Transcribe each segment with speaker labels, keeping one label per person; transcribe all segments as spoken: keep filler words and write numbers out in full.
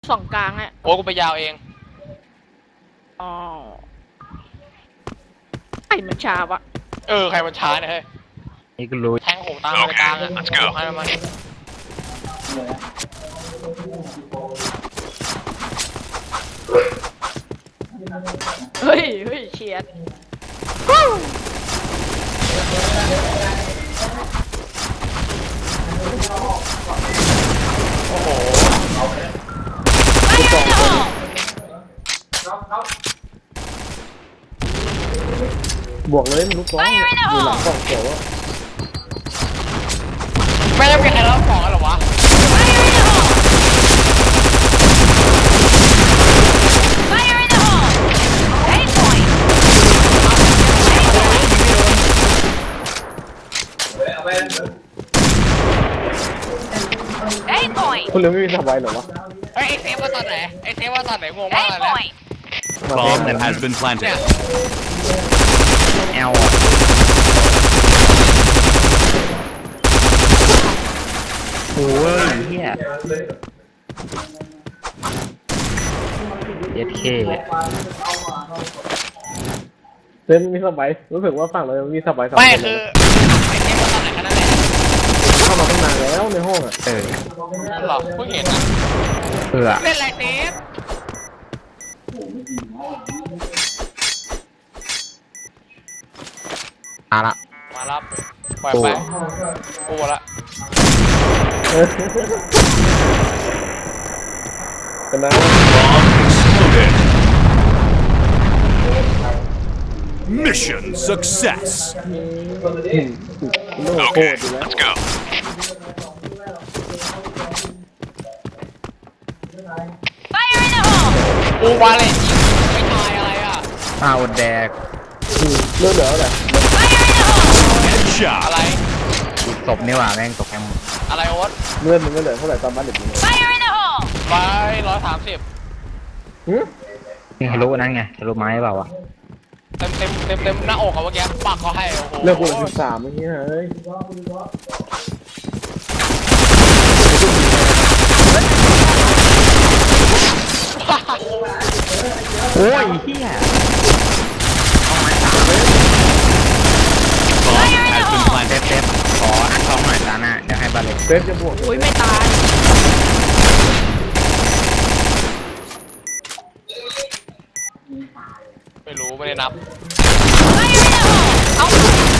Speaker 1: สองกลางอ่ะ
Speaker 2: โอ้กูไปยาวเอง
Speaker 1: อ๋อไอ้มันช้าวะ
Speaker 2: เออใครมันช้าเนี่ยเฮ้ย
Speaker 3: นี่ก็รู้
Speaker 2: แทงหูตามไปกลางอ่ะให้มัน
Speaker 1: เฮ้ยเฮ้ยเฉียด
Speaker 2: โอ้โห
Speaker 4: บวกเลยมันลูกน้องอยู่หลังกล่องเขียวอะ
Speaker 2: ไม่ได้มีใครรับของกันหรอวะ
Speaker 4: คุณเลี้ยงไม่มีสบายหรอวะ
Speaker 2: เฮ้ยไอเซฟว่าตอนไหนไอเซฟว่าตอนไหนงงมากเลยนะ
Speaker 5: Bomb that has been planted.
Speaker 3: แอลโอ้ยเฮียเอสเค
Speaker 4: เต้นมีสบายรู้สึกว่าฝั่งเรามีสบายสบาย
Speaker 2: ไม่คือไอเซฟว่าตอนไหนกันนั่นแหละ
Speaker 4: เข้ามาตั้งนานแล้วในห้องอ่ะ
Speaker 3: เออ
Speaker 2: หรอเพิ่งเห็นนะ
Speaker 3: เผื่อ
Speaker 2: เล่นไรเซฟ
Speaker 3: มาละ
Speaker 2: มารับปล่อยไปกูละ
Speaker 4: กันนะ
Speaker 5: Mission success.
Speaker 4: โน่โคตรอยู่แล้ว
Speaker 5: Let's go.
Speaker 2: กูวาเลนไม่ตายอะไรอ่ะ
Speaker 3: อ้าวแดก
Speaker 4: เลือดเหลือแหละ
Speaker 5: Headshot.
Speaker 2: อะไร
Speaker 3: อีกศพนี่หว่าแม่งตกแคม
Speaker 2: อะไรโอ๊ต
Speaker 4: เลือดมันก็เหลือเท่าไหร่ตอนบ้านเด็กนี่
Speaker 2: ไปร้อยสามสิบ
Speaker 4: หืม
Speaker 3: นี่ทะลุนั่นไงทะลุไม้เปล่าวะ
Speaker 2: เต็มเต็มเต็มเต็มหน้าอกอะเมื่อกี้ปักเขาให้โอ้โห
Speaker 4: เลือดกูเหลือสิบสามเมื่อกี้เฮ้ย
Speaker 3: โอ้ยเฮีย
Speaker 5: Bomb has been
Speaker 3: เซ
Speaker 5: planted.
Speaker 3: ฟเซฟขออันท้องหน่อยตาหน้าเดี๋ยวให้บาเล็ก
Speaker 4: เซฟจะบวก
Speaker 1: อุ้ยไม่ตาย
Speaker 2: ไม่รู้ไม่ได้นับ
Speaker 1: เอ้า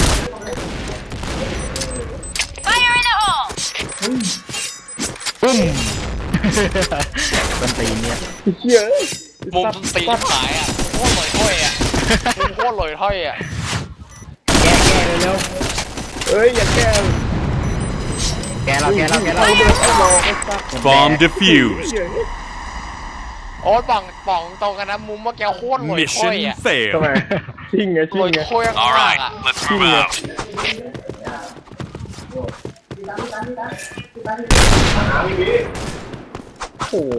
Speaker 3: ปุ้มต้นตีนเนี่ย
Speaker 4: เชี่ย
Speaker 2: มุมตีนขายอ่ะโคตรลอยถ้อยอ่ะมุมโคตรลอยถ้อยอ่ะ
Speaker 3: แก้แก้เร็ว
Speaker 4: เอ้ยอย่าแก้
Speaker 3: ๆแกเราแกเราแกเรา
Speaker 5: Bomb defused.
Speaker 2: โอ๊ตป่องป่องตรงกันนะมุมเมื่อกี้โคตรลอยถ้อย
Speaker 5: Mission
Speaker 2: อ่ะ
Speaker 5: failed.
Speaker 4: ทำไมชิงไงชิ
Speaker 2: ล
Speaker 4: ง
Speaker 2: อย
Speaker 4: ไง
Speaker 2: ถ้อย
Speaker 5: All
Speaker 2: มาก
Speaker 5: right,
Speaker 2: อ่ะ
Speaker 5: let's move out.
Speaker 4: โอ้โห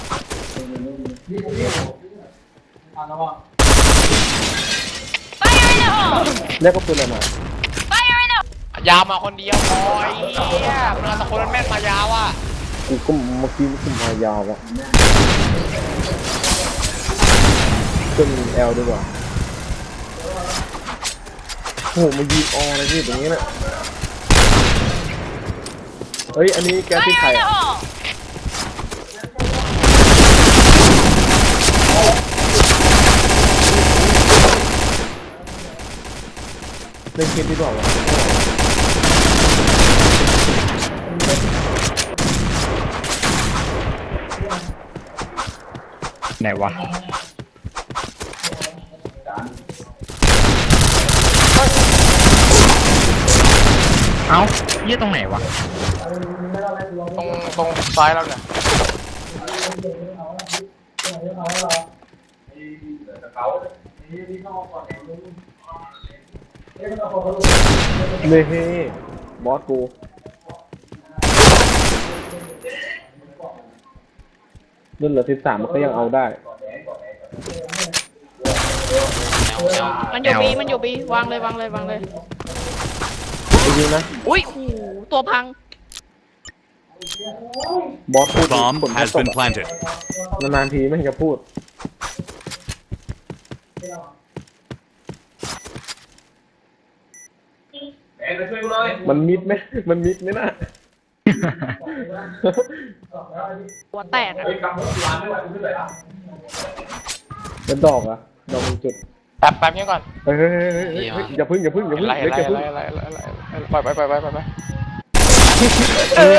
Speaker 4: แล้วก็ปืนอะไรมาย
Speaker 2: าวมาคนเดียวพอไอ้เหี้ยมันเอาตะคนแม่นมายาวอ่ะ
Speaker 4: กูก็เมื่อกี้กูมายาวอ่ะขึ้นแอลดีกว่าโอ้โหมายิงออเลยพี่ตรงนี้น่ะเฮ้ยอันนี้แกที่ใครอ่ะเล่นเกมดีกว่าวะ
Speaker 3: ไหนวะเอ้าเยี่ยตรงไหนวะ
Speaker 2: ตรงตรงซ้ายแล้วเนี่ย
Speaker 4: เน่เฮ้บอสกูเล่นเหลือสิบสามมันก็ยังเอาได้
Speaker 1: มันอยู่บีมันอยู่บีวางเลยวางเลยวางเลย
Speaker 4: จริงๆนะ
Speaker 1: อุ้ยโอ้โหตัวพัง
Speaker 4: บอสพูด
Speaker 5: Bomb
Speaker 4: ผล
Speaker 5: has
Speaker 4: ต
Speaker 5: been
Speaker 4: ก
Speaker 5: planted.
Speaker 4: นานๆทีไม่เห็นจะพูดมันมิดไหมมันมิดไหมน่ะ
Speaker 1: หัวแตกอะ
Speaker 4: เป็นดอกอะดอกเป็นจุด
Speaker 2: แป๊บแป๊บนี้ก่อน
Speaker 4: เฮ้ยเฮ้ยเฮ้ยเฮ้ยเฮ้ยอย่าพึ่งอย่าพึ่งอย่าพึ่ง
Speaker 2: ไล่
Speaker 4: เล็ก
Speaker 2: ไล่
Speaker 4: อย่าพึ่ง
Speaker 2: ไล่ไล่ไล่ไล่ไปไปไปไปไปไป
Speaker 3: เออ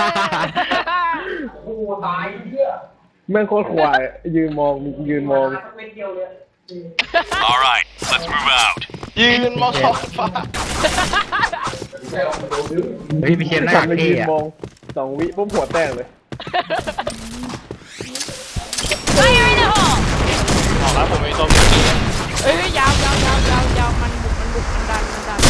Speaker 4: แม่งโคตรควายยืนมองยืนมอง
Speaker 5: All right, let's move out.
Speaker 2: ยืนมองท้องฟ้า
Speaker 3: เฮ้ยพี่เชนน่า
Speaker 4: ฉั
Speaker 3: รั
Speaker 4: น
Speaker 3: ก
Speaker 4: เลย
Speaker 3: เท่
Speaker 4: ยืน
Speaker 3: อะ
Speaker 4: มองสองวิปุ๊บหัวแตกเลย
Speaker 1: Fire in the hole
Speaker 2: บอกแล้วผมมีตัวเมื่อกี้
Speaker 1: เอ้ยยาวยาวยาวยาวยาวมันบุกมันบุกมันดันมันดัน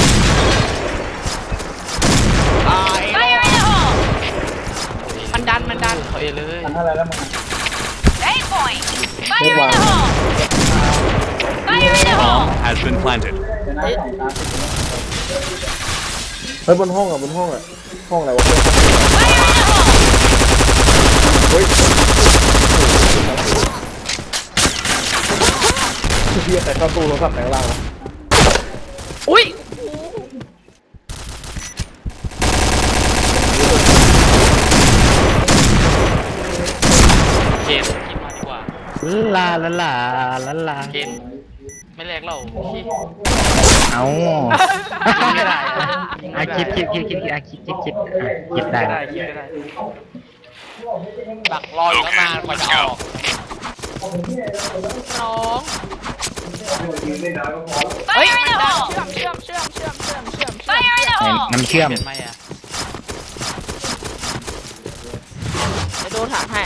Speaker 2: ตาย
Speaker 1: Fire in the hole มันดันมันดัน
Speaker 2: เฮ้ยเลย
Speaker 1: Eight point
Speaker 4: ไม่
Speaker 1: Fire
Speaker 4: วาง
Speaker 1: in the hole Fire in the hole
Speaker 5: Bomb has been planted.
Speaker 4: เฮ้ยบนห้องอะบนห้องอะห้องอะไรวะ
Speaker 1: Fire in the hole
Speaker 4: เฮ้ยเฮียแต่เข้าตู้โทรศัพท์แต่งล่างวะ
Speaker 1: อุ้ย
Speaker 2: เกณฑ์คิดมาดีกว่า
Speaker 3: ลาลาลาลาลา
Speaker 2: เกณฑ์ไม่แลกเรา
Speaker 3: เอา
Speaker 2: ไม่ได้
Speaker 3: อ่ะคิดคิดคิดคิดอ่ะคิดคิดคิดอ่ะคิดได้
Speaker 2: ไม่ได้คิดไม่ได้ดักรออยู่ตั้งนานกว่าจะออก
Speaker 1: น้องเฮ้ยมันดันเชื่อมเชื่อมเชื่อมเชื่อมเชื่อมเชื่อมเชื่อม Fire in the
Speaker 3: ไหน
Speaker 1: hole
Speaker 3: น้ำเชื่อม
Speaker 2: เปลี่ยนไหมอ่ะ
Speaker 1: เดี๋ยวโดนถามให้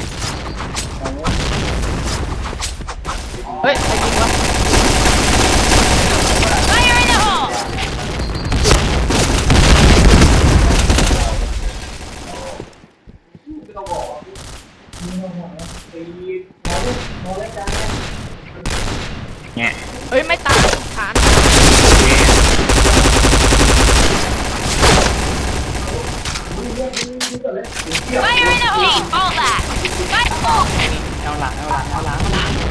Speaker 1: เฮ้ยใครยิงวะ Fire in the hole
Speaker 3: เนี่ย
Speaker 1: เฮ้ยไม่ตายฐาน Fire in the hole all that Fire hole
Speaker 2: เอาหลังเอาหลังเอาหลัง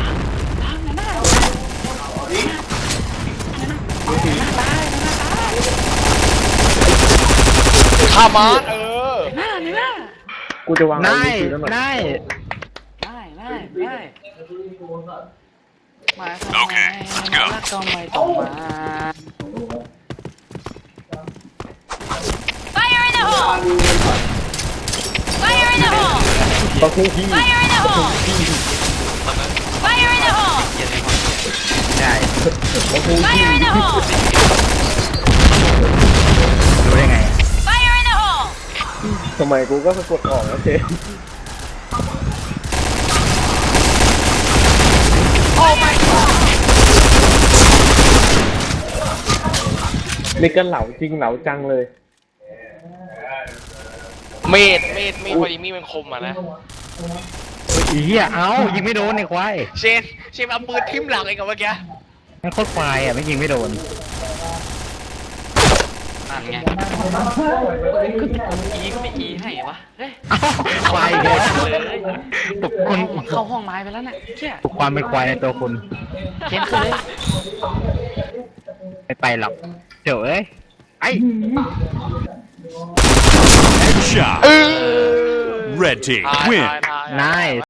Speaker 2: ข้ามาเออ
Speaker 4: กูจะวาง
Speaker 3: นาย
Speaker 4: ไว้แล้วหน่อย
Speaker 3: นาย
Speaker 2: ได้ได้ได้มา
Speaker 5: Okay, let's go.
Speaker 2: แล้วก็ไม่ต้องมา
Speaker 1: Fire in the hole Fire in the hole
Speaker 4: ต้องคู่ที่
Speaker 1: Fire in the hole Fire in the hole
Speaker 3: ได้
Speaker 4: ต้องคู่ที่
Speaker 1: Fire in the hole
Speaker 3: รู้ได้ไง
Speaker 1: Fire in the hole
Speaker 4: ทำไมกูก็สะกดออกแล้วเจ
Speaker 1: Oh my god
Speaker 4: นี่ก็เหลาจริงเหลาจังเลย
Speaker 2: เมดเมดมีพอดีมีดมันคมอ่ะนะ
Speaker 3: อีเหี้ยเอ้ายิงไม่โดนไอ้ควาย
Speaker 2: เชนเชนเอาปืนทิ่มหลังเองกับเมื่อกี้
Speaker 3: มันโคตรควายอ่ะไม่ยิงไม่โดน
Speaker 2: นั่นไงอีก็ไม่อีให้วะเฮ้ย
Speaker 3: เอ้าควายเลย
Speaker 2: เลย
Speaker 3: ปลุกคน
Speaker 2: เข้าห้องไม้ไปแล้วน่ะเชี่ย
Speaker 3: ปลุกความเป็นควายในตัวคุณ
Speaker 2: เชนคือเลย
Speaker 3: ไม่ไปหรอกเดี๋ยวเอ้ยไอ้
Speaker 5: Headshot.
Speaker 2: เออ
Speaker 5: Red team
Speaker 2: ทาย
Speaker 5: win.
Speaker 2: ทายทาย
Speaker 3: นาย